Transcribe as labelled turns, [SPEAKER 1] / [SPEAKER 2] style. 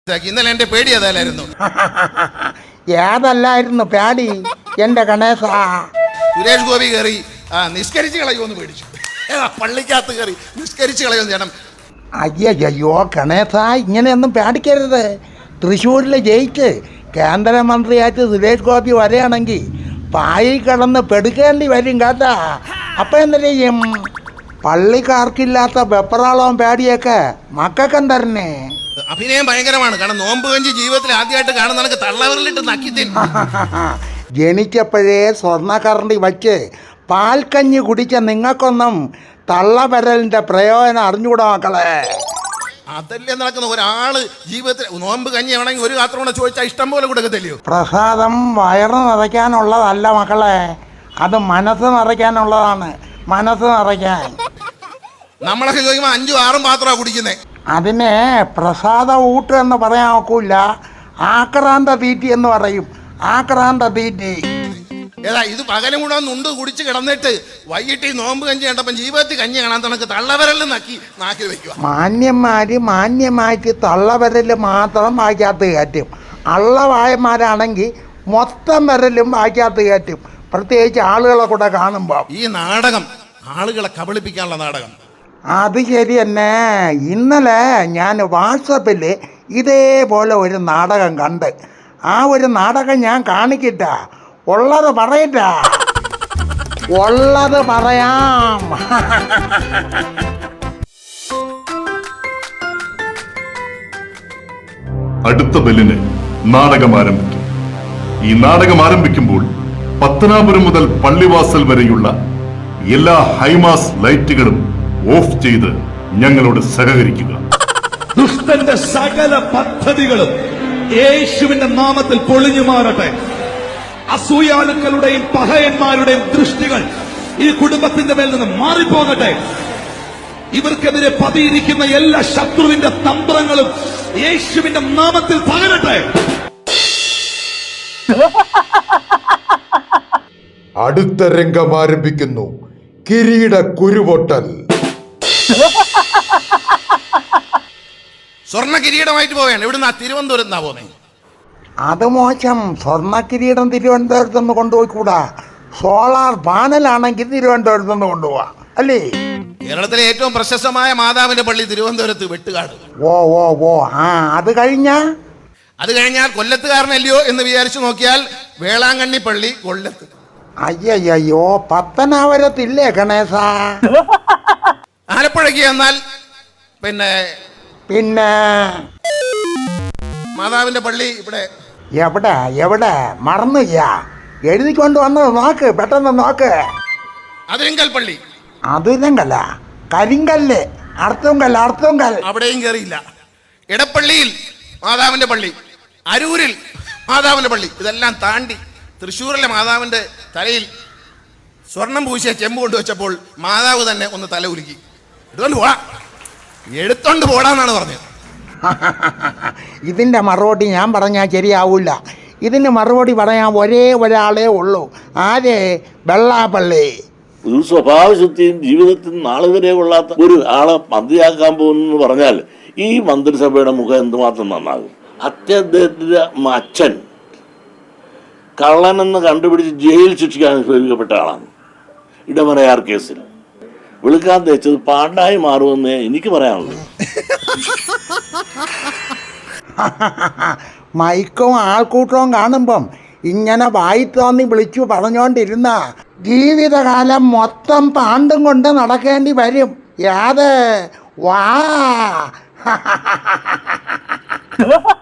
[SPEAKER 1] ഇന്നലെ എന്റെ പേടി അതല്ലായിരുന്നു.
[SPEAKER 2] ഏതല്ലായിരുന്നു പേടി എന്റെ ഗണേശ?
[SPEAKER 1] സുരേഷ് ഗോപി കയറി നിസ്കരിച്ച് കളയുമെന്ന് പേടിച്ചു. പള്ളിക്കകത്ത് കയറി നിസ്കരിച്ച് കളയുമെന്ന് ചേട്ടൻ.
[SPEAKER 2] അയ്യോ ഗണേശ, ഇങ്ങനെയൊന്നും പേടിക്കരുത്. തൃശ്ശൂരിൽ ജയിച്ച് കേന്ദ്രമന്ത്രിയായിട്ട് സുരേഷ് ഗോപി വരികയാണെങ്കിൽ പായി കിടന്ന് പെടുക്കേണ്ടി വരും കേട്ടാ. അപ്പം എന്ത് ചെയ്യും? പള്ളിക്കാർക്കില്ലാത്ത വെപ്രാളവും പേടിയൊക്കെ മക്കൾക്കെന്തരനെ.
[SPEAKER 1] അഭിനയം ഭയങ്കരമാണ്. കാരണം നോമ്പ് കഞ്ചി ജീവിതത്തിൽ ആദ്യമായിട്ട് കാണുന്ന തള്ളവരിലിട്ട് നക്കി തരും.
[SPEAKER 2] ജനിച്ചപ്പോഴേ സ്വർണ്ണക്കറണ്ടി വച്ച് പാൽക്കഞ്ഞി കുടിച്ച നിങ്ങൾക്കൊന്നും തള്ളവിരലിൻ്റെ പ്രയോജനം അറിഞ്ഞുകൂടാ മക്കളെ.
[SPEAKER 1] അതല്ലേ നടക്കുന്ന ഒരാള് ജീവിതത്തിൽ നോമ്പ് കഞ്ഞി ആണെങ്കിൽ ഒരു പാത്രം കൂടെ ചോദിച്ചാൽ ഇഷ്ടം പോലെ കൊടുക്കത്തില്ലയോ?
[SPEAKER 2] പ്രസാദം വയറ് നിറയ്ക്കാനുള്ളതല്ല മക്കളെ, അത് മനസ്സ് നിറയ്ക്കാനുള്ളതാണ്. മനസ്സ് നിറയ്ക്കാൻ
[SPEAKER 1] നമ്മളൊക്കെ ചോദിക്കുമ്പോൾ 5ഉം 6ഉം പാത്രമാണ് കുടിക്കുന്നേ.
[SPEAKER 2] അതിനെ പ്രസാദ ഊട്ട് എന്ന് പറയാൻ ഒക്കില്ല, ആക്രാന്ത തീറ്റി എന്ന് പറയും. ആക്രാന്ത തീറ്റി.
[SPEAKER 1] ഏതാ ഇത് പകലും കൂടെ നുണ്ട് കുടിച്ച് കിടന്നിട്ട് വൈകിട്ട് ഈ നോമ്പ് കഞ്ഞി കണ്ടപ്പം ജീവിതത്തിൽ കഞ്ഞി കാണാൻ തണക്ക് തള്ളവരലിൽ നാക്കി വെക്കുക.
[SPEAKER 2] മാന്യമായിട്ട് തള്ളവരൽ മാത്രം വായിക്കാത്ത കയറ്റും. അള്ളവായന്മാരാണെങ്കിൽ മൊത്തം വരലും വായിക്കാത്ത കയറ്റും. പ്രത്യേകിച്ച് ആളുകളെ കൂടെ കാണുമ്പോൾ.
[SPEAKER 1] ഈ നാടകം ആളുകളെ കബളിപ്പിക്കാനുള്ള നാടകം.
[SPEAKER 2] അത് ശരി തന്നെ. ഇന്നലെ ഞാൻ വാട്സപ്പിൽ ഇതേപോലെ ഒരു നാടകം കണ്ട്. ആ ഒരു നാടകം ഞാൻ കാണിക്കിട്ട, ഉള്ളത് പറയിട്ട, ഉള്ളത് പറയാം.
[SPEAKER 3] അടുത്ത ബെല്ലിന് നാടകം ആരംഭിക്കും. ഈ നാടകം ആരംഭിക്കുമ്പോൾ പത്തനാപുരം മുതൽ പള്ളിവാസൽ വരെയുള്ള എല്ലാ ഹൈമാസ് ലൈറ്റുകളും ഓഫ് ചെയ്ത് ഞങ്ങളോട് സഹകരിക്കുക.
[SPEAKER 4] ദുഷ്ടന്റെ സകല പദ്ധതികളും യേശുവിന്റെ നാമത്തിൽ പൊളിഞ്ഞു മാറട്ടെ. അസൂയാലുക്കളുടെയും പഹയന്മാരുടെയും ദൃഷ്ടികൾ ഈ കുടുംബത്തിന്റെ മേൽ നിന്ന് മാറിപ്പോകട്ടെ. ഇവർക്കെതിരെ പതിയിരിക്കുന്ന എല്ലാ ശത്രുവിന്റെ തന്ത്രങ്ങളും യേശുവിന്റെ നാമത്തിൽ തകരട്ടെ.
[SPEAKER 5] അടുത്ത രംഗം ആരംഭിക്കുന്നു. കിരീട കുരുപൊട്ടൽ.
[SPEAKER 1] സ്വർണ്ണ കിരീടമായിട്ട് പോവുകയാണ്. ഇവിടുന്ന് തിരുവനന്തപുരത്ത് നിന്നാ പോകുന്നത്.
[SPEAKER 2] അത് മോശം. സ്വർണ്ണ കിരീടം തിരുവനന്തപുരത്ത് നിന്ന് കൊണ്ടുപോയിക്കൂടാ. സോളാർ പാനലാണെങ്കിൽ തിരുവനന്തപുരത്ത് നിന്ന് കൊണ്ടുപോവാ അല്ലേ?
[SPEAKER 1] കേരളത്തിലെ ഏറ്റവും പ്രശസ്തമായ മാതാവിന്റെ പള്ളി തിരുവനന്തപുരത്ത് വെട്ടുകാട്.
[SPEAKER 2] ഓ അത് കഴിഞ്ഞാൽ
[SPEAKER 1] കൊല്ലത്തുകാരനല്ലയോ എന്ന് വിചാരിച്ചു നോക്കിയാൽ വേളാങ്കണ്ണി പള്ളി കൊല്ലത്ത്.
[SPEAKER 2] അയ്യോ പത്തനാപുരത്തില്ലേ ഗണേശ?
[SPEAKER 1] ആലപ്പുഴയ്ക്ക് എന്നാൽ പിന്നെ മാതാവിന്റെ പള്ളി ഇവിടെ
[SPEAKER 2] എവിടെ മറന്നു? എഴുതിക്കൊണ്ട് വന്നത് നോക്ക്, പെട്ടെന്ന് നോക്ക്.
[SPEAKER 1] അതിരിങ്കൽ പള്ളി.
[SPEAKER 2] അതിരങ്കല്ല, കരിങ്കല്ല്, അർത്തുങ്കൽ.
[SPEAKER 1] അവിടെയും കയറിയില്ല. ഇടപ്പള്ളിയിൽ മാതാവിന്റെ പള്ളി, അരൂരിൽ മാതാവിന്റെ പള്ളി. ഇതെല്ലാം താണ്ടി തൃശ്ശൂരിലെ മാതാവിന്റെ തലയിൽ സ്വർണം പൂശിയ ചെമ്പ് കൊണ്ടുവച്ചപ്പോൾ മാതാവ് തന്നെ ഒന്ന് തല ഉരുക്കി എടുത്തോണ്ട് പോടാന്നാണ് പറഞ്ഞത്.
[SPEAKER 2] ഇതിന്റെ മറുപടി ഞാൻ പറഞ്ഞാൽ ശരിയാവൂല. ഇതിന് മറുപടി പറയാൻ ഒരേ ഒരാളേ ഉള്ളൂ. ആരെ? വെള്ളാപ്പള്ളി.
[SPEAKER 6] ഒരു സ്വഭാവശുദ്ധിയും ജീവിതത്തിൽ നാളെ വരെ കൊള്ളാത്ത ഒരു ആളെ മന്ത്രിയാക്കാൻ പോകുന്നു പറഞ്ഞാൽ ഈ മന്ത്രിസഭയുടെ മുഖം എന്തുമാത്രം നന്നാകും. അദ്ദേഹത്തിന്റെ അച്ഛൻ കള്ളനെന്ന് കണ്ടുപിടിച്ച് ജയിൽ ശിക്ഷിക്കാൻ അനുഭവിക്കപ്പെട്ട ആളാണ്. ഇടമലയാർ കേസിൽ വിളിക്കാൻ തേച്ചത് പാണ്ടായി മാറുമെന്നേ എനിക്ക് പറയാനുള്ളൂ.
[SPEAKER 2] മൈക്കും ആൾക്കൂട്ടവും കാണുമ്പം ഇങ്ങനെ വായി തോന്നി വിളിച്ചു പറഞ്ഞുകൊണ്ടിരുന്ന ജീവിതകാലം മൊത്തം പാണ്ടും കൊണ്ട് നടക്കേണ്ടി വരും. വാ